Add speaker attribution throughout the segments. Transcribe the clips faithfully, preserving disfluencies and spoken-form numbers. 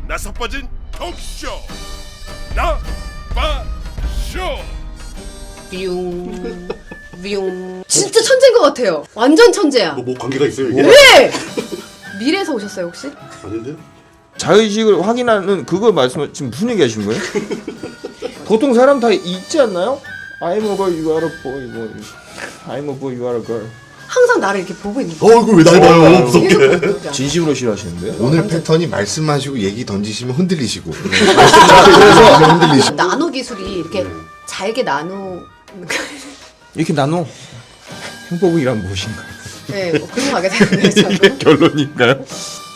Speaker 1: 나서 빠진 톡쇼 나빠쇼.
Speaker 2: 뿅 뿅. 진짜 천재인 것 같아요. 완전 천재야.
Speaker 3: 뭐, 뭐 관계가 있어요 이게?
Speaker 2: 왜? 미래에서 오셨어요 혹시?
Speaker 3: 아닌데?
Speaker 4: 자의식을 확인하는 그거 말씀 지금 무슨 얘기 하시는 거예요? 보통 사람 다 있지 않나요? I'm a boy, you are a boy. 뭐, I'm a boy, you are a girl.
Speaker 2: 항상 나를 이렇게 보고 있는 거야.
Speaker 3: 어 이거 왜 날 봐요 무섭게.
Speaker 4: 진심으로 싫어하시는데요?
Speaker 5: 오늘 패턴이 말씀하시고 얘기 던지시면 흔들리시고 그래서 흔들리시고
Speaker 2: 나노 기술이 이렇게 잘게 나누.
Speaker 4: 이렇게 나눠 행복이란 무엇인가?
Speaker 2: 네, 뭐 그런 거 하게 되네요 저도.
Speaker 4: 결론인가요?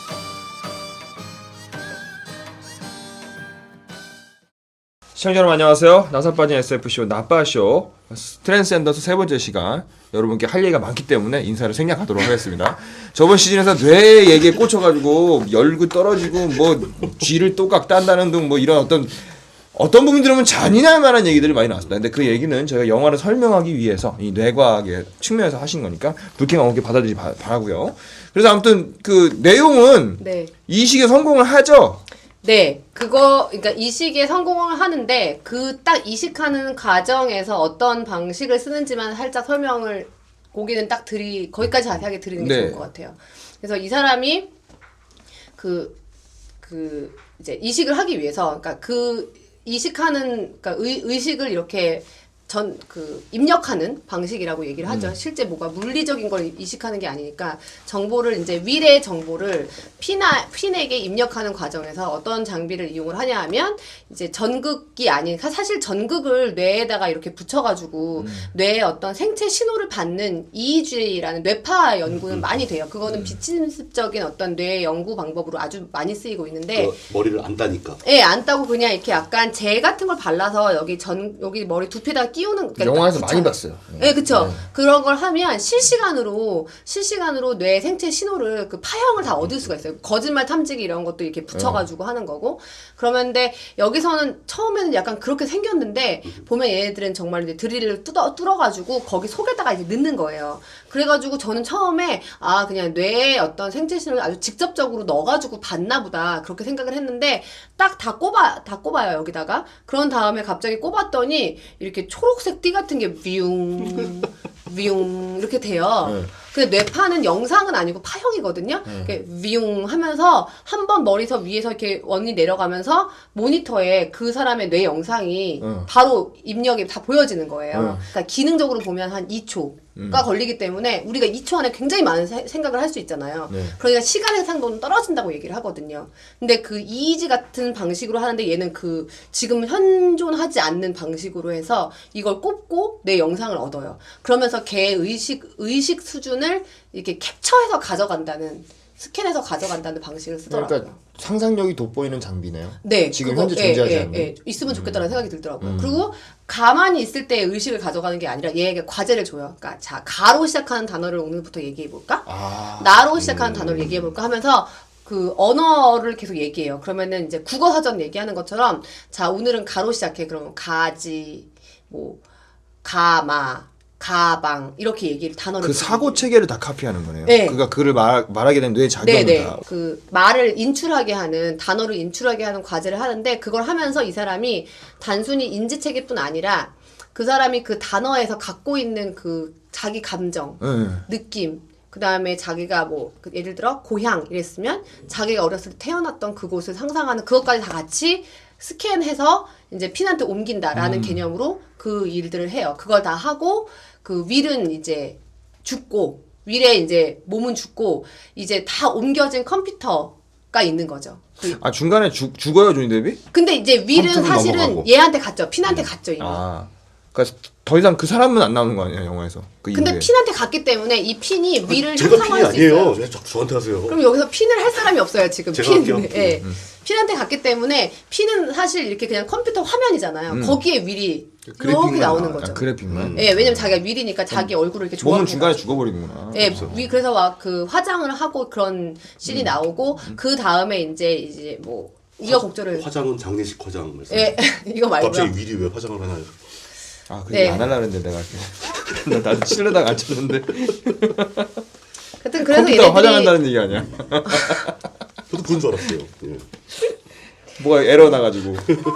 Speaker 4: 시청자 여러분 안녕하세요. 나사 빠진 에스에프쇼 나빠쇼 트랜스젠더스 세 번째 시간, 여러분께 할 얘기가 많기 때문에 인사를 생략하도록 하겠습니다. 저번 시즌에서 뇌 얘기에 꽂혀가지고 열구 떨어지고 뭐 쥐를 또각 딴다는 등 뭐 이런 어떤 어떤 부분 들으면 잔인할 만한 얘기들이 많이 나왔습니다. 근데 그 얘기는 저희가 영화를 설명하기 위해서 이 뇌과학의 측면에서 하신 거니까 불쾌감 없게 받아들이지 바, 바라고요. 그래서 아무튼 그 내용은
Speaker 2: 네.
Speaker 4: 이식에 성공을 하죠.
Speaker 2: 네, 그거, 그러니까 이식에 성공을 하는데 그 딱 이식하는 과정에서 어떤 방식을 쓰는지만 살짝 설명을 거기는 딱 드리 거기까지 자세하게 드리는 게
Speaker 4: 네.
Speaker 2: 좋을 것 같아요. 그래서 이 사람이 그, 그 이제 이식을 하기 위해서, 그러니까 그 이식하는, 그러니까 의, 의식을 이렇게 전 그 입력하는 방식이라고 얘기를 하죠.
Speaker 4: 음.
Speaker 2: 실제 뭐가 물리적인 걸 이식하는 게 아니니까 정보를 이제 위례 정보를 피나 핀에게 입력하는 과정에서 어떤 장비를 이용을 하냐 하면 이제 전극이 아닌, 사실 전극을 뇌에다가 이렇게 붙여가지고
Speaker 4: 음.
Speaker 2: 뇌에 어떤 생체 신호를 받는 이이지라는 뇌파 연구는
Speaker 4: 음.
Speaker 2: 많이 돼요. 그거는 비침습적인 어떤 뇌 연구 방법으로 아주 많이 쓰이고 있는데.
Speaker 3: 그 머리를 안 따니까.
Speaker 2: 예, 안 따고 그냥 이렇게 약간 젤 같은 걸 발라서 여기 전 여기 머리 두피에다 끼우는. 그러니까
Speaker 4: 영화에서
Speaker 2: 붙여요.
Speaker 4: 많이 봤어요.
Speaker 2: 네, 그쵸.
Speaker 4: 네.
Speaker 2: 그런 걸 하면 실시간으로, 실시간으로 뇌 생체 신호를 그 파형을 다 얻을 수가 있어요. 거짓말 탐지기 이런 것도 이렇게 붙여가지고
Speaker 4: 네.
Speaker 2: 하는 거고. 그러면 근데 여기서는 처음에는 약간 그렇게 생겼는데, 보면 얘네들은 정말 이제 드릴을 뚫어, 뚫어가지고 거기 속에다가 이제 넣는 거예요. 그래가지고 저는 처음에, 아, 그냥 뇌에 어떤 생체 신호를 아주 직접적으로 넣어가지고 봤나 보다. 그렇게 생각을 했는데, 딱 다 꼽아, 다 꼽아요, 여기다가. 그런 다음에 갑자기 꼽았더니, 이렇게 초록색 띠 같은 게 뷰, 뷰, 이렇게 돼요.
Speaker 4: 네.
Speaker 2: 근데 뇌파는 영상은 아니고 파형이거든요.
Speaker 4: 네.
Speaker 2: 이렇게 뷰 하면서 한 번 머리서 위에서 이렇게 원이 내려가면서 모니터에 그 사람의 뇌 영상이
Speaker 4: 네.
Speaker 2: 바로 입력이 다 보여지는 거예요.
Speaker 4: 네.
Speaker 2: 그러니까 기능적으로 보면 한 이 초가
Speaker 4: 음.
Speaker 2: 걸리기 때문에 우리가 이 초 안에 굉장히 많은 세- 생각을 할 수 있잖아요.
Speaker 4: 네.
Speaker 2: 그러니까 시간의 상도는 떨어진다고 얘기를 하거든요. 근데 그 이이지 같은 방식으로 하는데 얘는 그 지금 현존하지 않는 방식으로 해서 이걸 꼽고 내 영상을 얻어요. 그러면서 걔의 의식, 의식 수준을 이렇게 캡처해서 가져간다는, 스캔해서 가져간다는 방식을 쓰더라고요.
Speaker 4: 그러니까 상상력이 돋보이는 장비네요.
Speaker 2: 네,
Speaker 4: 지금
Speaker 2: 그거,
Speaker 4: 현재
Speaker 2: 예,
Speaker 4: 존재하지
Speaker 2: 예,
Speaker 4: 않는.
Speaker 2: 예, 있으면 좋겠다는 생각이 들더라고요.
Speaker 4: 음.
Speaker 2: 그리고 가만히 있을 때 의식을 가져가는 게 아니라 얘에게 과제를 줘요. 그러니까 자, 가로 시작하는 단어를 오늘부터 얘기해 볼까?
Speaker 4: 아,
Speaker 2: 나로 시작하는 단어를 얘기해 볼까 하면서 그 언어를 계속 얘기해요. 그러면은 이제 국어 사전 얘기하는 것처럼, 자, 오늘은 가로 시작해. 그러면 가지, 뭐 가마, 가방 이렇게 얘기를 단어를
Speaker 4: 그
Speaker 2: 계속
Speaker 4: 사고
Speaker 2: 얘기해요.
Speaker 4: 체계를 다 카피하는 거네요.
Speaker 2: 네.
Speaker 4: 그러니까 그를 말, 말하게 된 뇌 작용을
Speaker 2: 네네.
Speaker 4: 다.
Speaker 2: 그 말을 인출하게 하는, 단어를 인출하게 하는 과제를 하는데, 그걸 하면서 이 사람이 단순히 인지체계뿐 아니라 그 사람이 그 단어에서 갖고 있는 그 자기 감정,
Speaker 4: 네.
Speaker 2: 느낌, 그 다음에 자기가 뭐, 그 예를 들어, 고향 이랬으면 자기가 어렸을 때 태어났던 그곳을 상상하는 그것까지 다 같이 스캔해서 이제 핀한테 옮긴다라는
Speaker 4: 음.
Speaker 2: 개념으로 그 일들을 해요. 그걸 다 하고, 그 윌은 이제 죽고, 윌의 이제 몸은 죽고, 이제 다 옮겨진 컴퓨터가 있는 거죠. 그-
Speaker 4: 아 중간에 죽 죽어요 조니 데뷔?
Speaker 2: 근데 이제 윌은
Speaker 4: 컴퓨터로
Speaker 2: 사실은
Speaker 4: 넘어가고.
Speaker 2: 얘한테 갔죠. 핀한테 갔죠, 이미.
Speaker 4: 아, 그러니까 더 이상 그 사람은 안 나오는 거 아니에요 영화에서? 그
Speaker 2: 근데
Speaker 4: 이후에.
Speaker 2: 핀한테 갔기 때문에 이 핀이 윌을
Speaker 3: 제가 핀이
Speaker 2: 형성할 수 있어요.
Speaker 3: 아니에요. 왜 자꾸 저한테 하세요?
Speaker 2: 그럼 여기서 핀을 할 사람이 없어요, 지금.
Speaker 3: 제가
Speaker 2: 핀.
Speaker 3: 할게요.
Speaker 2: 예.
Speaker 4: 음.
Speaker 2: 핀한테 갔기 때문에 핀은 사실 이렇게 그냥 컴퓨터 화면이잖아요.
Speaker 4: 음.
Speaker 2: 거기에 윌이
Speaker 4: 그래픽만
Speaker 2: 이렇게 나오는
Speaker 4: 나와.
Speaker 2: 거죠.
Speaker 4: 아, 그래픽만.
Speaker 3: 음.
Speaker 2: 예, 왜냐면 자기가 윌이니까 자기 얼굴을 이렇게
Speaker 4: 몸은
Speaker 2: 조합해가지고.
Speaker 4: 중간에 죽어버리는구나.
Speaker 2: 예, 위 그래서 막 그 화장을 하고 그런 씬이 나오고 그 다음에 이제 이제 뭐 우여곡절을
Speaker 3: 화장은 장례식 화장 말씀.
Speaker 2: 예, 이거 말고요.
Speaker 3: 갑자기 윌이 왜 화장을 하나요?
Speaker 4: 아, 그래
Speaker 2: 네.
Speaker 4: 안 하려고 했는데 내가 나 나도 치려다가 안 쳤는데.
Speaker 2: 하여튼 그래서
Speaker 4: 컴퓨터
Speaker 2: 얘네들이
Speaker 4: 화장한다는 얘기 아니야?
Speaker 3: 저도 그런 줄 알았어요. 예.
Speaker 4: 뭐가 에러 나가지고.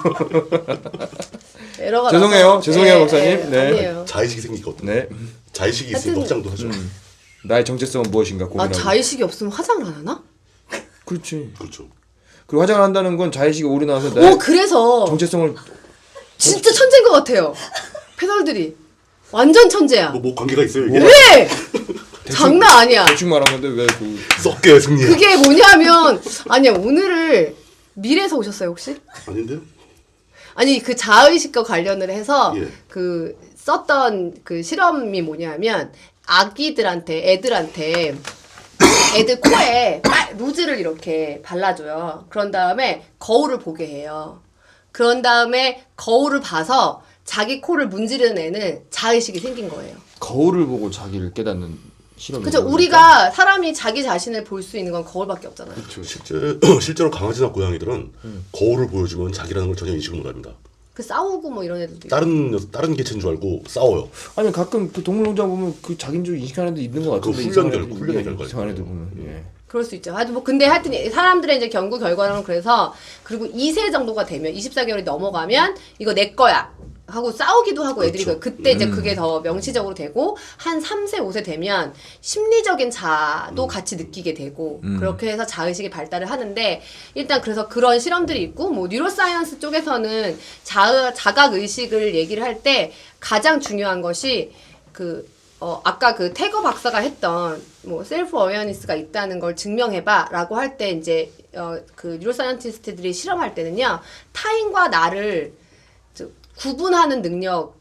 Speaker 2: 에러가
Speaker 4: 죄송해요.
Speaker 2: 나서-
Speaker 4: 죄송해요,
Speaker 2: 예,
Speaker 4: 박사님.
Speaker 2: 예,
Speaker 4: 네.
Speaker 2: 아니에요.
Speaker 3: 자의식이 생기거든.
Speaker 4: 네.
Speaker 3: 자의식이 있으면
Speaker 2: 하여튼-
Speaker 3: 확장도 하죠.
Speaker 4: 음. 나의 정체성은 무엇인가
Speaker 2: 아
Speaker 4: 고민하고.
Speaker 2: 자의식이 없으면 화장을 안 하나?
Speaker 4: 그렇지.
Speaker 3: 그렇죠.
Speaker 4: 그리고 화장을 한다는 건 자의식이 오래 나와서 나의
Speaker 2: 오 그래서
Speaker 4: 정체성을
Speaker 2: 진짜 천재인 것 같아요. 패널들이 완전 천재야.
Speaker 3: 뭐, 뭐 관계가 있어요 이게?
Speaker 2: 왜? 장난 아니야.
Speaker 4: 대충 말한 건데 왜 그.
Speaker 3: 썩게 승리.
Speaker 2: 그게 뭐냐면 아니야 오늘을 미래에서 오셨어요 혹시?
Speaker 3: 아닌데요?
Speaker 2: 아니 그 자의식과 관련을 해서
Speaker 3: 예.
Speaker 2: 그 썼던 그 실험이 뭐냐면 아기들한테 애들한테 애들 코에 빨- 루즈를 이렇게 발라줘요. 그런 다음에 거울을 보게 해요. 그런 다음에 거울을 봐서 자기 코를 문지르는 애는 자의식이 생긴 거예요.
Speaker 4: 거울을 보고 자기를 깨닫는 실험이.
Speaker 2: 그죠? 우리가 사람이 자기 자신을 볼 수 있는 건 거울밖에 없잖아요.
Speaker 3: 그렇죠. 실제 실제로 강아지나 고양이들은 거울을 보여주면 자기라는 걸 전혀 인식을 못합니다.
Speaker 2: 그 싸우고 뭐 이런 애들도 있고.
Speaker 3: 다른 녀석- 다른 개체인 줄 알고 싸워요.
Speaker 4: 아니 가끔 그 동물농장 보면 그 자기인 줄 인식하는 데 있는 것 같은데.
Speaker 3: 그거 훈련
Speaker 4: 이상한
Speaker 3: 결-
Speaker 4: 애들,
Speaker 3: 훈련의
Speaker 4: 예,
Speaker 3: 결과죠.
Speaker 4: 이상한 애들 보면. 예.
Speaker 2: 그럴 수 있죠. 하여튼 뭐 근데 하여튼 사람들의 이제 연구 결과는 그래서 그리고 이 세 정도가 되면 이십사 개월이 넘어가면 이거 내 거야 하고 싸우기도 하고 애들이
Speaker 3: 그렇죠.
Speaker 2: 그때 이제 그게 더 명시적으로 되고 한 삼 세 오 세 되면 심리적인 자도 같이 느끼게 되고 그렇게 해서 자의식이 발달을 하는데 일단 그래서 그런 실험들이 있고 뭐 뉴로사이언스 쪽에서는 자 자각 의식을 얘기를 할 때 가장 중요한 것이 그 어, 아까 그 태거 박사가 했던 뭐 셀프 어웨어니스가 있다는 걸 증명해봐라고 할 때 이제 어, 그 뉴로사이언티스트들이 실험할 때는요 타인과 나를 저, 구분하는 능력,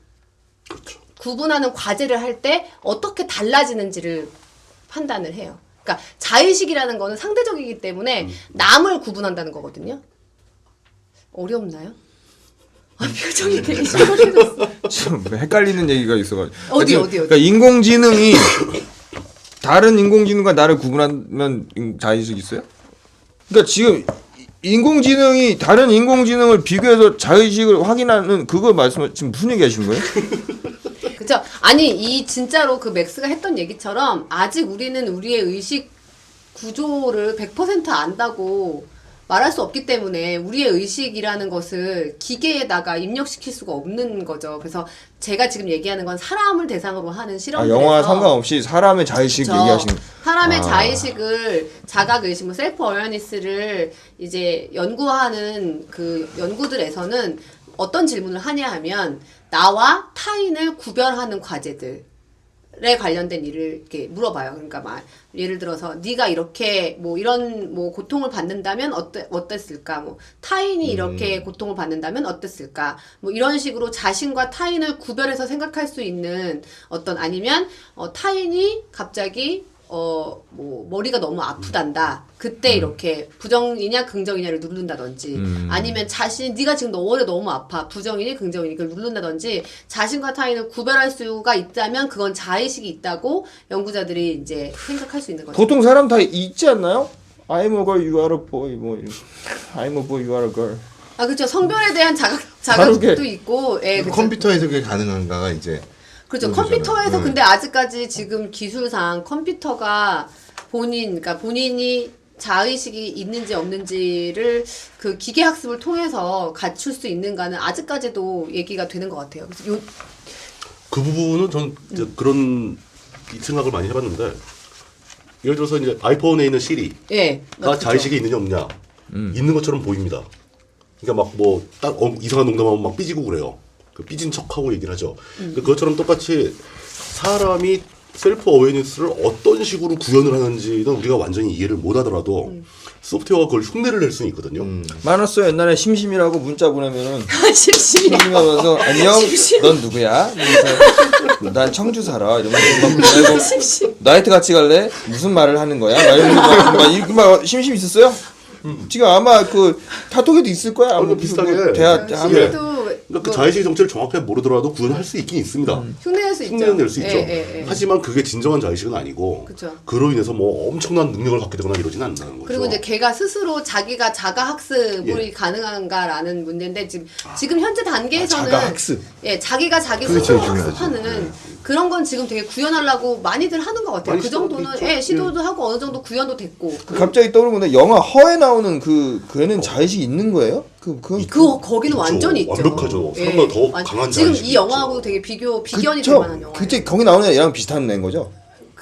Speaker 2: 구분하는 과제를 할 때 어떻게 달라지는지를 판단을 해요. 그러니까 자의식이라는 거는 상대적이기 때문에 남을 구분한다는 거거든요. 어렵나요? 아, 표정이 되게 심각해졌어.
Speaker 4: 좀 헷갈리는 얘기가 있어가지고.
Speaker 2: 어디,
Speaker 4: 하여튼
Speaker 2: 어디, 어디?
Speaker 4: 그러니까 인공지능이 다른 인공지능과 나를 구분하면 인- 자의식이 있어요? 그러니까 지금 인공지능이 다른 인공지능을 비교해서 자의식을 확인하는 그거 말씀 지금 무슨 얘기 하시는 거예요?
Speaker 2: 그쵸? 아니 이 진짜로 그 맥스가 했던 얘기처럼 아직 우리는 우리의 의식 구조를 백 퍼센트 안다고 말할 수 없기 때문에 우리의 의식이라는 것을 기계에다가 입력시킬 수가 없는 거죠. 그래서 제가 지금 얘기하는 건 사람을 대상으로 하는
Speaker 4: 아,
Speaker 2: 실험들에서
Speaker 4: 영화 상관없이 사람의 자의식
Speaker 2: 그쵸.
Speaker 4: 얘기하시는.
Speaker 2: 사람의
Speaker 4: 아.
Speaker 2: 자의식을 자각의식, 뭐 셀프 어웨어니스를 이제 연구하는 그 연구들에서는 어떤 질문을 하냐 하면 나와 타인을 구별하는 과제들. 에 관련된 일을 이렇게 물어봐요. 그러니까 막 예를 들어서 네가 이렇게 뭐 이런 뭐 고통을 받는다면 어때 어땠을까? 뭐 타인이 이렇게 고통을 받는다면 어땠을까? 뭐 이런 식으로 자신과 타인을 구별해서 생각할 수 있는 어떤 아니면 어, 타인이 갑자기 어 뭐 머리가 너무 아프단다. 그때 이렇게 부정이냐 긍정이냐를 누른다든지
Speaker 4: 음.
Speaker 2: 아니면 자신 네가 지금 너 머리 너무 아파 부정이니 긍정이니 그걸 누른다든지 자신과 타인을 구별할 수가 있다면 그건 자의식이 있다고 연구자들이 이제 생각할 수 있는 거죠.
Speaker 4: 보통 사람 다 있지 않나요? I'm a girl, you are a boy. 뭐 이런. I'm a boy, you are a girl.
Speaker 2: 아 그렇죠. 성별에 대한 자각
Speaker 4: 다르게.
Speaker 2: 자각도 있고, 예, 그렇죠.
Speaker 5: 컴퓨터에서 그게 가능한가가 이제
Speaker 2: 그렇죠.
Speaker 5: 그런
Speaker 2: 컴퓨터에서
Speaker 5: 거잖아요.
Speaker 2: 근데 아직까지 지금 기술상 컴퓨터가 본인, 그러니까 본인이 자의식이 있는지 없는지를 그 기계 학습을 통해서 갖출 수 있는가는 아직까지도 얘기가 되는 것 같아요. 그래서 요,
Speaker 3: 그 부분은 전 이제 그런 생각을 많이 해봤는데 예를 들어서 이제 아이폰에 있는 시리가
Speaker 2: 예, 그렇죠.
Speaker 3: 자의식이 있느냐 없냐 있는 것처럼 보입니다. 그러니까 막 뭐 딱 어, 이상한 농담하면 막 삐지고 그래요. 그 삐진 척하고 얘기를 하죠.
Speaker 2: 음.
Speaker 3: 그것처럼 똑같이 사람이 셀프 어웨이니스를 어떤 식으로 구현을 하는지는 우리가 완전히 이해를 못하더라도
Speaker 2: 음.
Speaker 3: 소프트웨어가 그걸 흉내를 낼 수는 있거든요.
Speaker 4: 많았어요. 옛날에 심심이라고 문자 보내면은
Speaker 2: 심심해.
Speaker 4: 심심하면서 안녕, 넌 누구야? 그래서 난 청주 살아. 이러면서 막 보내고 나이트 같이 갈래? 무슨 말을 하는 거야? 막 이러면서 막, 막 이렇게 막 심심 있었어요? 지금 아마 그 카톡에도 있을 거야. 아마
Speaker 3: 어, 비슷하게.
Speaker 4: 뭐 대화
Speaker 3: 예.
Speaker 4: 하면
Speaker 2: 심해도
Speaker 3: 그러니까 그
Speaker 2: 뭐
Speaker 3: 자의식의 정체를 정확하게 모르더라도 구현할 수 있긴 있습니다.
Speaker 2: 흉내낼 수 있죠.
Speaker 3: 흉내는 낼 수 있죠.
Speaker 2: 예, 예, 예.
Speaker 3: 하지만 그게 진정한 자의식은 아니고
Speaker 2: 그쵸.
Speaker 3: 그로 인해서 뭐 엄청난 능력을 갖게 되거나 이러지는 않는다는 거죠.
Speaker 2: 그리고 이제 걔가 스스로 자기가 자가 학습이
Speaker 3: 예.
Speaker 2: 가능한가라는 문제인데 지금 지금 현재 단계에서는
Speaker 5: 아, 자가 학습.
Speaker 2: 예 자기가 자기
Speaker 5: 그게
Speaker 2: 스스로
Speaker 5: 제일 중요하죠.
Speaker 2: 학습하는 그런 건 지금 되게 구현하려고 많이들 하는 것 같아요.
Speaker 3: 많이
Speaker 2: 그 정도는
Speaker 3: 시도하고 있죠.
Speaker 2: 예 시도도 하고 어느 정도 구현도 됐고
Speaker 4: 그 갑자기 떠오르는 건데 영화 허에 나오는 그 그 애는 자의식이 있는 거예요? 그, 그,
Speaker 2: 그 거기는
Speaker 3: 있죠.
Speaker 2: 완전히 있죠.
Speaker 3: 완벽하죠. 사람보다 더
Speaker 2: 완-
Speaker 3: 강한
Speaker 2: 지금
Speaker 3: 자의식이
Speaker 2: 이 영화하고
Speaker 3: 있죠.
Speaker 2: 되게 비교 비견이
Speaker 4: 그쵸?
Speaker 2: 될 만한 영화.
Speaker 4: 그때 거기 나오는 애랑 비슷한 애인 거죠?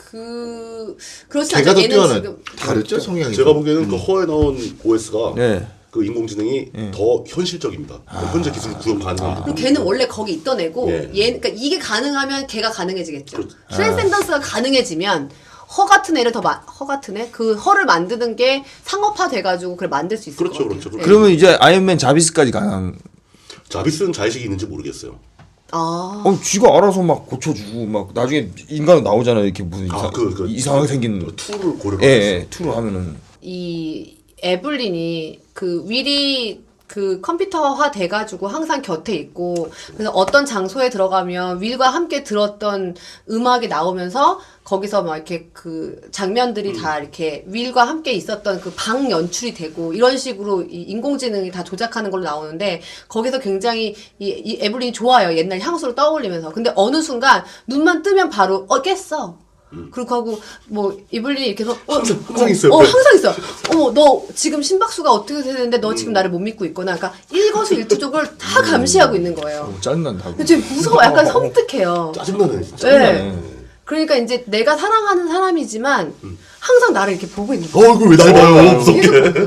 Speaker 2: 그 그렇지
Speaker 5: 걔가
Speaker 2: 않죠.
Speaker 5: 더
Speaker 2: 얘는
Speaker 5: 뛰어나.
Speaker 2: 지금
Speaker 5: 다르죠 성향이.
Speaker 3: 제가 보기에는 그 허에 나온 오에스가
Speaker 4: 네.
Speaker 3: 그 인공지능이 더 현실적입니다. 현재 기술 구현 가능한 부분.
Speaker 2: 그럼 걔는 원래 거기 있던 애고
Speaker 3: 예.
Speaker 2: 얘 그러니까 이게 가능하면 걔가 가능해지겠죠.
Speaker 3: 그렇죠.
Speaker 2: 트랜센던스가 가능해지면 허 같은 애를 더 허 같은 애? 그 허를 만드는 게 상업화 돼가지고 그걸 만들 수 있을
Speaker 3: 그렇죠,
Speaker 2: 것 같아요.
Speaker 3: 그렇죠.
Speaker 2: 예.
Speaker 4: 그러면 이제 아이언맨 자비스까지 가능.
Speaker 3: 자비스는 자의식이 있는지 모르겠어요.
Speaker 2: 아
Speaker 4: 어, 쥐가 알아서 막 고쳐주고 막 나중에 인간 나오잖아요. 이렇게 무슨 이상,
Speaker 3: 아, 그, 그,
Speaker 4: 이상하게 생긴.
Speaker 3: 그 툴을 고려해
Speaker 4: 예,
Speaker 3: 봤어요.
Speaker 4: 예, 투로 하면은.
Speaker 2: 이 에블린이 그 윌이 그 컴퓨터화 돼가지고 항상 곁에 있고 그래서 어떤 장소에 들어가면 윌과 함께 들었던 음악이 나오면서 거기서 막 이렇게 그 장면들이 다 이렇게 윌과 함께 있었던 그 방 연출이 되고 이런 식으로 이 인공지능이 다 조작하는 걸로 나오는데 거기서 굉장히 이, 이 에블린이 좋아요. 옛날 향수를 떠올리면서. 근데 어느 순간 눈만 뜨면 바로 어 깼어. 그렇게 하고 뭐 이블린이 이렇게 해서 어,
Speaker 3: 항상- 항상
Speaker 2: 어,
Speaker 3: 있어요.
Speaker 2: 어 항상 있어. 어머 너 지금 심박수가 어떻게 되는데 너 지금 나를 못 믿고 있구나. 그러니까 일거수일투족을 다 감시하고 있는 거예요.
Speaker 4: 어, 짜증난다.
Speaker 2: 근데 지금 무서워. 약간 섬뜩해요.
Speaker 3: 짜증나네, 진짜.
Speaker 2: 네. 그러니까 이제 내가 사랑하는 사람이지만 항상 나를 이렇게 보고 있는 거야.
Speaker 3: 어, 이거 왜 날 봐요? 무섭게.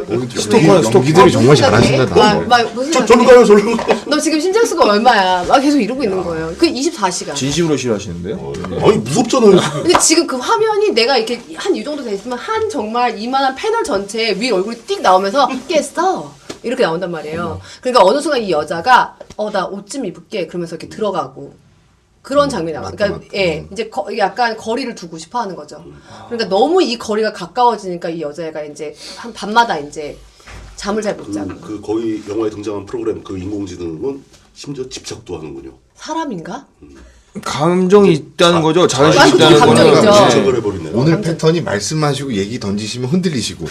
Speaker 5: 스토커 연기들이 정말 잘하신다.
Speaker 2: 막,
Speaker 5: 나.
Speaker 2: 막 무슨
Speaker 3: 저,
Speaker 2: 생각해?
Speaker 3: 저로 가요, 저로 가요.
Speaker 2: 너 지금 심장수가 얼마야? 막 계속 이러고 있는 거예요. 그 이십사 시간.
Speaker 4: 진심으로 싫어하시는데요?
Speaker 3: 아니, 무섭잖아요, 지금.
Speaker 2: 근데 지금 그 화면이 내가 이렇게 한 이 정도 돼 있으면 한 정말 이만한 패널 전체에 위 얼굴이 띡 나오면서 깼어. 이렇게 나온단 말이에요. 그러니까 어느 순간 이 여자가 어 나 옷 좀 입을게 그러면서 이렇게 들어가고 그런 장면이 나와요.
Speaker 5: 맞다,
Speaker 2: 그러니까
Speaker 5: 맞다.
Speaker 2: 예 이제 거, 약간 거리를 두고 싶어 하는 거죠. 그러니까 너무 이 거리가 가까워지니까 이 여자애가 이제 한 밤마다 이제 잠을 잘 못 자고
Speaker 3: 그, 그 거의 영화에 등장한 프로그램 그 인공지능은 심지어 집착도 하는군요.
Speaker 2: 사람인가?
Speaker 4: 감정이 있다는 거죠. 자의식이
Speaker 2: 아니,
Speaker 4: 있다는
Speaker 2: 그건
Speaker 4: 거는.
Speaker 2: 감정이죠.
Speaker 3: 집착을 해버리네요.
Speaker 5: 오늘 패턴이 말씀하시고 얘기 던지시면 흔들리시고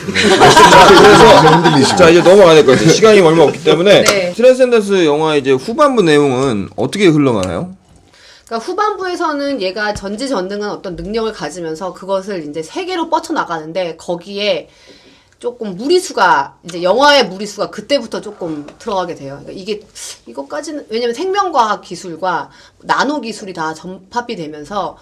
Speaker 5: 말씀하시면 흔들리시고.
Speaker 4: 자 이제 넘어가야 될 것 같아요. 시간이 얼마 없기 때문에
Speaker 2: 네.
Speaker 4: 트랜센던스 영화 이제 후반부 내용은 어떻게 흘러가나요?
Speaker 2: 그러니까 후반부에서는 얘가 전지전능한 어떤 능력을 가지면서 그것을 이제 세계로 뻗쳐 나가는데 거기에 조금 무리수가 이제 영화의 무리수가 그때부터 조금 들어가게 돼요. 그러니까 이게 이것까지는 왜냐면 생명과학 기술과 나노 기술이 다 접합이 되면서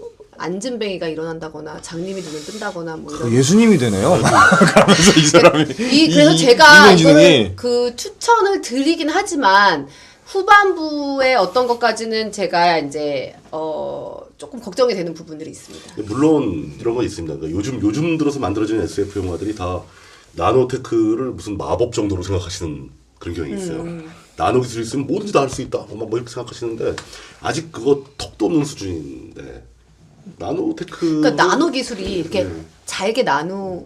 Speaker 2: 안진뱅이가 일어난다거나 장님이 눈을 뜬다거나 뭐 이런.
Speaker 4: 예수님이 되네요. 그러면서 이 사람이
Speaker 2: 이 그래서
Speaker 4: 이-
Speaker 2: 제가
Speaker 4: 인공지능이
Speaker 2: 이거는 그 추천을 드리긴 하지만 후반부의 어떤 것까지는 제가 이제 어 조금 걱정이 되는 부분들이 있습니다.
Speaker 3: 물론 이런 건 있습니다. 그러니까 요즘 요즘 들어서 만들어지는 에스에프 영화들이 다 나노테크를 무슨 마법 정도로 생각하시는 그런 경향이 있어요.
Speaker 2: 음.
Speaker 3: 나노 기술이 있으면 뭐든지 다 할 수 있다. 뭐 이렇게 생각하시는데 아직 그거 턱도 없는 수준인데 나노테크.
Speaker 2: 그러니까 나노 기술이 이렇게
Speaker 3: 네.
Speaker 2: 잘게 나누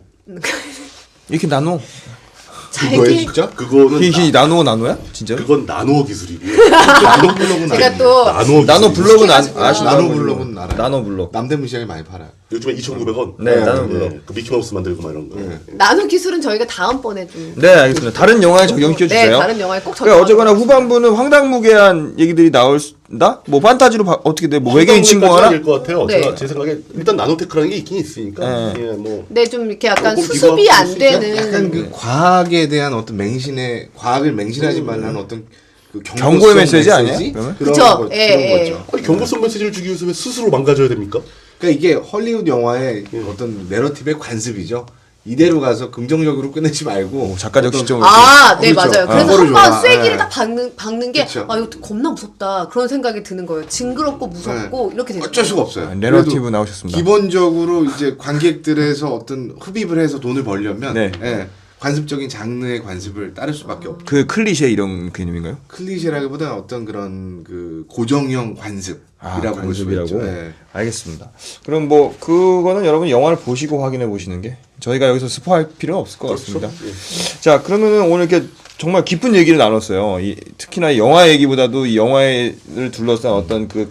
Speaker 4: 이렇게 나노?
Speaker 5: 그거예요
Speaker 2: 잘게
Speaker 5: 진짜?
Speaker 3: 그거는
Speaker 4: 이게
Speaker 3: 나,
Speaker 4: 나노 나노야? 진짜?
Speaker 3: 그건 나노 기술이고요.
Speaker 5: 나노 블록은
Speaker 2: 제가
Speaker 5: 알아요.
Speaker 2: 또
Speaker 3: 나노 기술.
Speaker 4: 나노 블록은 안
Speaker 2: 시켜가지고요.
Speaker 4: 아시나요?
Speaker 5: 나노 블록은 알아요.
Speaker 4: 나노 블록.
Speaker 5: 남대문시장에 많이 팔아요.
Speaker 3: 요즘에 이천구백 원.
Speaker 4: 네, 나노 블록.
Speaker 3: 그 미키마우스 만들고 막 이런 거.
Speaker 5: 네.
Speaker 2: 나노 기술은 저희가 다음번에 좀
Speaker 4: 네, 알겠습니다. 다른 영화에 적용시켜 주세요.
Speaker 2: 네, 다른 영화에 꼭
Speaker 4: 그러니까
Speaker 2: 적용.
Speaker 4: 어쨌거나 후반부는 황당무계한 얘기들이 나올다. 뭐 판타지로 바, 어떻게 돼? 뭐 외계인 친구하나?
Speaker 3: 될것 같아요.
Speaker 2: 네.
Speaker 3: 제가 제 생각에 일단 나노테크라는 게 있긴 있으니까.
Speaker 4: 네.
Speaker 3: 예, 뭐
Speaker 2: 네, 좀 이렇게 약간
Speaker 3: 조금
Speaker 2: 수습이
Speaker 3: 비교할
Speaker 2: 안
Speaker 3: 수 있죠.
Speaker 2: 되는
Speaker 5: 약간 그 과학에 대한 어떤 맹신의 과학을 맹신하지 말라는 어떤 그
Speaker 4: 경고의
Speaker 5: 경고성
Speaker 4: 메시지 아니에요? 그러면?
Speaker 5: 그런
Speaker 2: 그쵸.
Speaker 5: 거,
Speaker 2: 예,
Speaker 5: 그런
Speaker 2: 예.
Speaker 5: 거죠.
Speaker 3: 아니 경고성 메시지를 주기 위해서 왜 스스로 망가져야 됩니까?
Speaker 5: 그러니까 이게 헐리우드 영화의 어떤 내러티브의 관습이죠. 이대로 가서 긍정적으로 끝내지 말고
Speaker 4: 오, 작가적
Speaker 5: 어떤-
Speaker 4: 시점으로.
Speaker 2: 아, 네,
Speaker 5: 그렇죠.
Speaker 2: 맞아요. 그래서
Speaker 5: 그거를
Speaker 2: 한번
Speaker 5: 좋아.
Speaker 2: 쐐기를
Speaker 5: 예.
Speaker 2: 딱 박는, 박는 게,
Speaker 5: 그쵸.
Speaker 2: 아, 이거 겁나 무섭다. 그런 생각이 드는 거예요. 징그럽고 무섭고, 이렇게 되는
Speaker 5: 어쩔
Speaker 2: 거예요.
Speaker 5: 수가 없어요.
Speaker 4: 아, 내러티브
Speaker 5: 그래도
Speaker 4: 나오셨습니다.
Speaker 5: 기본적으로 이제 관객들에서 어떤 흡입을 해서 돈을 벌려면
Speaker 4: 네.
Speaker 5: 예, 관습적인 장르의 관습을 따를 수밖에 없죠.
Speaker 4: 그 클리셰 이런 개념인가요?
Speaker 5: 클리셰라기보다는 어떤 그런 그 고정형 관습이라고
Speaker 4: 아,
Speaker 5: 볼 수
Speaker 4: 관습이라고.
Speaker 5: 있죠. 예.
Speaker 4: 알겠습니다. 그럼 뭐 그거는 여러분 영화를 보시고 확인해 보시는 게 저희가 여기서 스포할 필요는 없을 것 같습니다.
Speaker 3: 예.
Speaker 4: 자, 그러면은 오늘 이렇게 정말 깊은 얘기를 나눴어요. 이, 특히나 이 영화 얘기보다도 이 영화를 둘러싼 어떤 그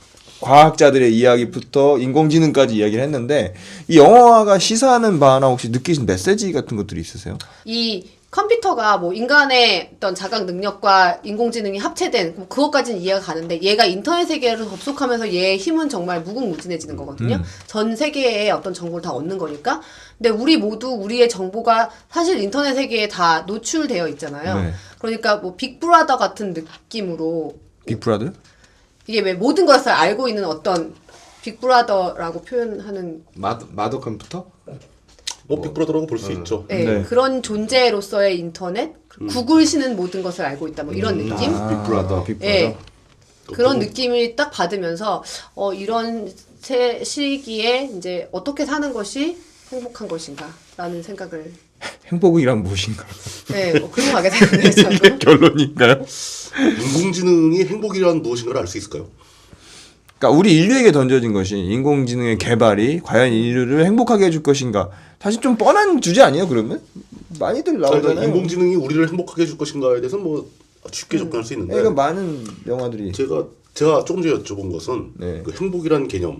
Speaker 4: 과학자들의 이야기부터 인공지능까지 이야기를 했는데 이 영화가 시사하는 바나 혹시 느끼신 메시지 같은 것들이 있으세요?
Speaker 2: 이 컴퓨터가 뭐 인간의 어떤 자각 능력과 인공지능이 합체된 뭐 그것까지는 이해가 가는데 얘가 인터넷 세계로 접속하면서 얘의 힘은 정말 무궁무진해지는 거거든요.
Speaker 4: 음.
Speaker 2: 전 세계의 어떤 정보를 다 얻는 거니까. 근데 우리 모두 우리의 정보가 사실 인터넷 세계에 다 노출되어 있잖아요.
Speaker 4: 네.
Speaker 2: 그러니까 뭐 빅브라더 같은 느낌으로
Speaker 4: 빅브라더?
Speaker 2: 이게 왜 모든 것을 알고 있는 어떤 빅브라더라고 표현하는
Speaker 5: 마더 마더 컴퓨터?
Speaker 3: 뭐 빅브라더라고 볼 수 있죠.
Speaker 2: 네,
Speaker 4: 네.
Speaker 2: 그런 존재로서의 인터넷, 구글시는 모든 것을 알고 있다 뭐 이런 느낌?
Speaker 5: 아, 빅브라더.
Speaker 4: 빅브라더.
Speaker 2: 예. 그런 느낌을 딱 받으면서 어 이런 세 시기에 이제 어떻게 사는 것이 행복한 것인가라는 생각을
Speaker 4: 행복이란 무엇인가?
Speaker 2: 네, 뭐 그런 거 하게 되네요. 저도.
Speaker 4: 결론인가요?
Speaker 3: 인공지능이 행복이란 무엇인가를 알 수 있을까요?
Speaker 4: 그러니까 우리 인류에게 던져진 것이 인공지능의 개발이 과연 인류를 행복하게 해줄 것인가? 사실 좀 뻔한 주제 아니에요? 그러면 많이들
Speaker 3: 그러니까
Speaker 4: 나오잖아요.
Speaker 3: 인공지능이 우리를 행복하게 해줄 것인가에 대해서는 뭐 쉽게 접근할 수 있는데
Speaker 4: 그러니까 많은 영화들이
Speaker 3: 제가 제가 조금 전에 여쭤본 것은
Speaker 4: 네.
Speaker 3: 그 행복이란 개념을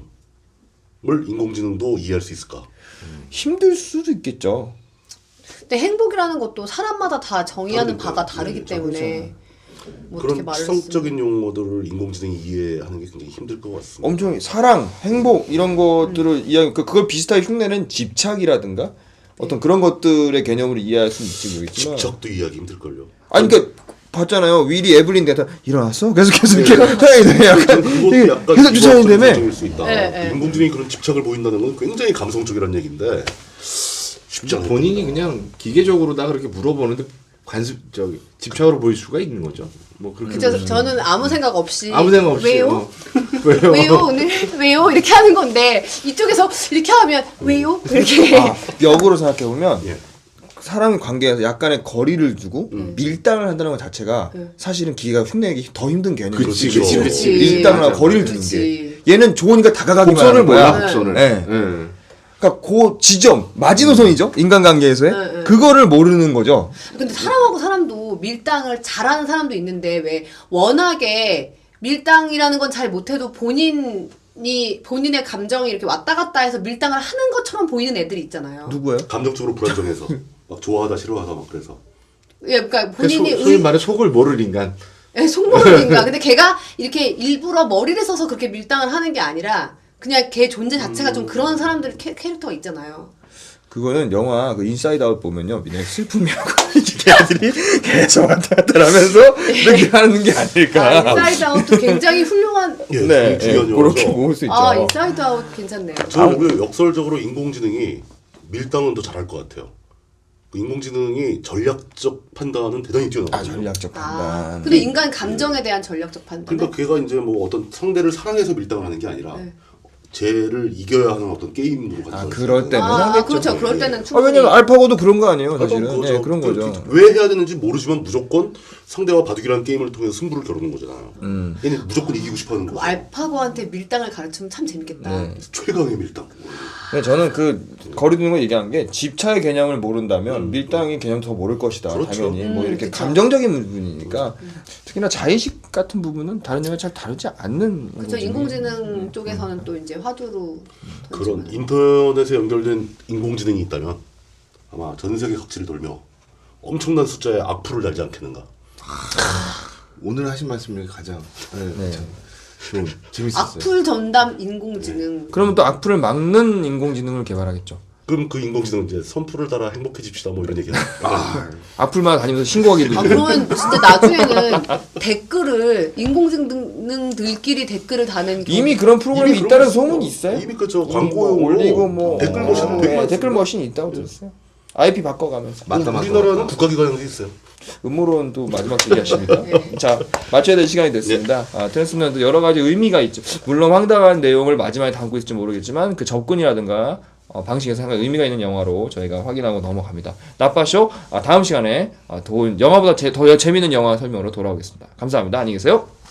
Speaker 3: 인공지능도 이해할 수 있을까?
Speaker 4: 힘들 수도 있겠죠.
Speaker 2: 근데 행복이라는 것도 사람마다 다 정의하는
Speaker 3: 그러니까요.
Speaker 2: 바가 다르기
Speaker 3: 네,
Speaker 2: 때문에 뭐 어떻게
Speaker 3: 그런
Speaker 2: 말을
Speaker 3: 추상적인 용어들을 인공지능이 이해하는 게 굉장히 힘들 것 같습니다.
Speaker 4: 엄청 사랑, 행복 이런 것들을 이해 그 그걸 비슷하게 흉내는 집착이라든가 어떤 그런 것들의 개념으로 이해할 수는 있지 모르겠지만.
Speaker 3: 집착도 이해하기 힘들걸요.
Speaker 4: 아니 그러니까 봤잖아요. 윌리 에블린 대타 일어났어? 계속해서 이렇게 사랑이 돼. 약간
Speaker 3: 그것도
Speaker 4: 이게
Speaker 3: 약간
Speaker 4: 계속 쫓아내는다며.
Speaker 3: 감성적일 수 있다.
Speaker 2: 네, 네.
Speaker 3: 인공지능이 그런 집착을 보인다는 건 굉장히 감성적이라는 얘기인데 쉽지 않아요.
Speaker 5: 본인이 그냥 기계적으로 다 그렇게 물어보는데 관습 저기 집착으로 보일 수가 있는 거죠. 뭐 그렇게
Speaker 2: 그죠?
Speaker 5: 보시면.
Speaker 2: 저는 아무 생각 없이
Speaker 5: 아무 생각 없이
Speaker 2: 왜요?
Speaker 5: 어. 왜요?
Speaker 2: 왜요 오늘 왜요 이렇게 하는 건데 이쪽에서 이렇게 하면 왜요 이렇게
Speaker 4: 아, 역으로 생각해 보면
Speaker 3: 예.
Speaker 4: 사람 관계에서 약간의 거리를 두고 밀당을 한다는 것 자체가
Speaker 2: 음.
Speaker 4: 사실은 기계가 흉내내기 더 힘든 개념이죠.
Speaker 5: 그치,
Speaker 3: 그치,
Speaker 5: 그치,
Speaker 3: 그치.
Speaker 4: 밀당을 하고
Speaker 5: 맞아.
Speaker 4: 거리를 두는
Speaker 2: 그치.
Speaker 4: 게 얘는 좋으니까 다가가기만
Speaker 5: 곡선을
Speaker 4: 하는 거야.
Speaker 5: 몰라 곡선을.
Speaker 4: 네.
Speaker 5: 예.
Speaker 4: 그러니까 그 지점 마지노선이죠 인간관계에서의
Speaker 2: 네, 네.
Speaker 4: 그거를 모르는 거죠.
Speaker 2: 근데 사람하고 사람도 밀당을 잘하는 사람도 있는데 왜 워낙에 밀당이라는 건 잘 못해도 본인이 본인의 감정이 이렇게 왔다 갔다 해서 밀당을 하는 것처럼 보이는 애들이 있잖아요.
Speaker 4: 누구예요?
Speaker 3: 감정적으로 불안정해서 막 좋아하다 싫어하다 막 그래서
Speaker 2: 예, 그러니까
Speaker 5: 그러니까
Speaker 2: 본인이
Speaker 5: 소, 소위
Speaker 2: 의,
Speaker 5: 말해 속을 모를 인간.
Speaker 2: 예, 속모르니까. 근데 걔가 이렇게 일부러 머리를 써서 그렇게 밀당을 하는 게 아니라 그냥 걔 존재 자체가 좀 그런 사람들 캐, 캐릭터가 있잖아요.
Speaker 4: 그거는 영화 그 인사이드 아웃 보면요. 내 슬픔이라고 걔들이 계속 왔다 갔다 하면서 이렇게 하는 게 아닐까.
Speaker 2: 아, 인사이드 아웃도 굉장히 훌륭한.
Speaker 3: 예,
Speaker 4: 네,
Speaker 3: 중요한
Speaker 4: 예,
Speaker 3: 영화죠.
Speaker 4: 그렇게 모을 수 있죠.
Speaker 2: 아, 인사이드 아웃 괜찮네요.
Speaker 3: 저는 오히려 역설적으로 인공지능이 밀당은 더 잘할 것 같아요. 그 인공지능이 전략적 판단은 대단히
Speaker 4: 아,
Speaker 3: 뛰어나거든요.
Speaker 4: 전략적 판단.
Speaker 2: 아, 근데 인간 감정에 대한 전략적 판단.
Speaker 3: 그러니까 걔가 이제 뭐 어떤 상대를 사랑해서 밀당을 하는 게 아니라
Speaker 2: 네.
Speaker 3: 쟤를 이겨야 하는 어떤 게임으로 가져가는
Speaker 4: 아, 그럴 때는
Speaker 2: 아,
Speaker 4: 하겠죠.
Speaker 2: 그렇죠. 그럴 때는
Speaker 4: 아,
Speaker 2: 충분히.
Speaker 4: 왜냐면 알파고도 그런 거 아니에요, 사실은.
Speaker 3: 그런 거죠.
Speaker 4: 네, 그런
Speaker 3: 그,
Speaker 4: 거죠.
Speaker 3: 그, 왜 해야 되는지 모르지만 무조건 상대와 바둑이라는 게임을 통해서 승부를 겨루는 거잖아요.
Speaker 4: 음.
Speaker 3: 얘는 무조건 이기고 싶어하는 거죠.
Speaker 2: 알파고한테 밀당을 가르치면 참 재밌겠다.
Speaker 4: 네.
Speaker 3: 최강의 밀당.
Speaker 4: 근데 저는 그 거리 두는 걸 얘기한 게 집차의 개념을 모른다면 밀당의 개념 더 모를 것이다.
Speaker 3: 그렇죠.
Speaker 4: 당연히 뭐
Speaker 2: 음,
Speaker 4: 이렇게
Speaker 2: 그쵸.
Speaker 4: 감정적인 부분이니까 특히나 자의식 같은 부분은 다른 영화 잘 다루지 않는.
Speaker 2: 그렇죠.
Speaker 4: 거지.
Speaker 2: 인공지능 쪽에서는 또 이제 화두로
Speaker 3: 그런
Speaker 2: 던지는.
Speaker 3: 인터넷에 연결된 인공지능이 있다면 아마 전 세계 각지를 돌며 엄청난 숫자의 악플을 달지 않겠는가.
Speaker 5: 오늘 하신 말씀이 가장 네,
Speaker 4: 네.
Speaker 5: 참 좋은 재밌었어요.
Speaker 2: 악플 전담 인공지능.
Speaker 4: 그러면 또 악플을 막는 인공지능을 개발하겠죠.
Speaker 3: 그럼 그 인공지능은 이제 선풀을 따라 행복해집시다 뭐 이런 얘기야.
Speaker 5: 아,
Speaker 4: 악플만 다니면서 신고하기도
Speaker 2: 아
Speaker 4: 있고.
Speaker 2: 그러면 진짜 나중에는 댓글을 인공지능들끼리 댓글을 다는
Speaker 4: 이미 그런 프로그램이
Speaker 3: 이미 그런
Speaker 4: 있다는
Speaker 3: 거 있어요.
Speaker 4: 소문이 있어요.
Speaker 3: 이미 그저
Speaker 4: 뭐
Speaker 3: 광고용으로
Speaker 4: 올리고 뭐
Speaker 3: 댓글
Speaker 4: 어,
Speaker 3: 머신
Speaker 4: 네,
Speaker 3: 되게 많습니다.
Speaker 4: 댓글 머신이 있다고 들었어요. 아이피 바꿔가면서.
Speaker 5: 맞다, 맞다,
Speaker 3: 우리나라는
Speaker 5: 맞다.
Speaker 3: 국가기관에서 있어요.
Speaker 4: 음모론도 마지막 얘기하십니까? 자, 맞춰야 될 시간이 됐습니다. 아, 트랜스맨도 여러 가지 의미가 있죠. 물론 황당한 내용을 마지막에 담고 있을지 모르겠지만 그 접근이라든가 어, 방식에서 상당히 의미가 있는 영화로 저희가 확인하고 넘어갑니다. 나빠쇼 아, 다음 시간에 아, 더 영화보다 제, 더 재미있는 영화 설명으로 돌아오겠습니다. 감사합니다. 안녕히 계세요.